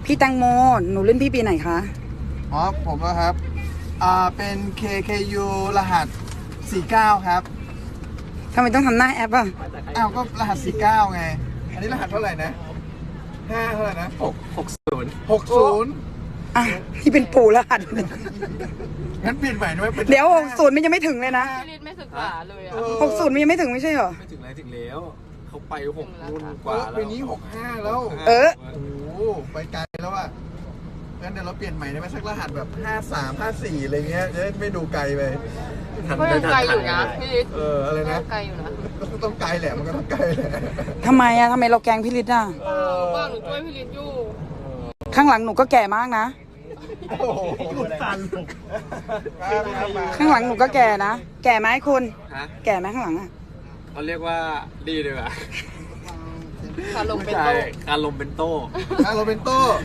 พี่แตงโมหนูรุ่นพี่ปีไหนคะอ๋อผมนะครับเป็น KKU รหัส49ครับทำไมต้องทำหน้าแอปอ่ะอ้าวก็รหัส49ไงอันนี้รหัสเท่าไหร่นะ5เท่าไหร่นะ60 อ่ะที่เป็นปู่รหัสงั้นเปลี่ยนใหม่ได้ไหมเป็นเดี๋ยว60มันยังไม่ถึงเลยนะพี่ฤทธิ์ไม่ศึกษาเลยอ่ะ 60มันยังไม่ถึงไม่ใช่เหรอไม่ถึงไรถึงแล้วเขาไป6 รุ่นกว่าว่าแล้วปีนี้65แล้วเออโอ้โหไปไกลแล้วอ่ะงั้นเดี๋ยวเราเปลี่ยนใหม่ได้ไหมสักรหัสแบบ53 54อะไรเงี้ยจะได้ไม่ดูไกลไปก็ยังไกลอยู่นะพี่ฤทธิ์อะไรก็นะยังไกลอยู่นะก็ต้องไกลแหละมันก็ต้องไกลแหละทำไมอะทำไมเราแกล้งพี่ฤทธิ์อะบ้านหนูช่วยพี่ฤทธิ์อยู่ข้างหลังหนูก็แก่มากนะโอ้โหตันมาข้างหลังหนูก็แก่นะ แก่ไหมคุณฮะแก่ไหมข้างหลังอะเขาเรียกว่าดีเลยว่ะขาลงเป็นใช่โต๊ะการลมเป็นโต้โรเบนโต้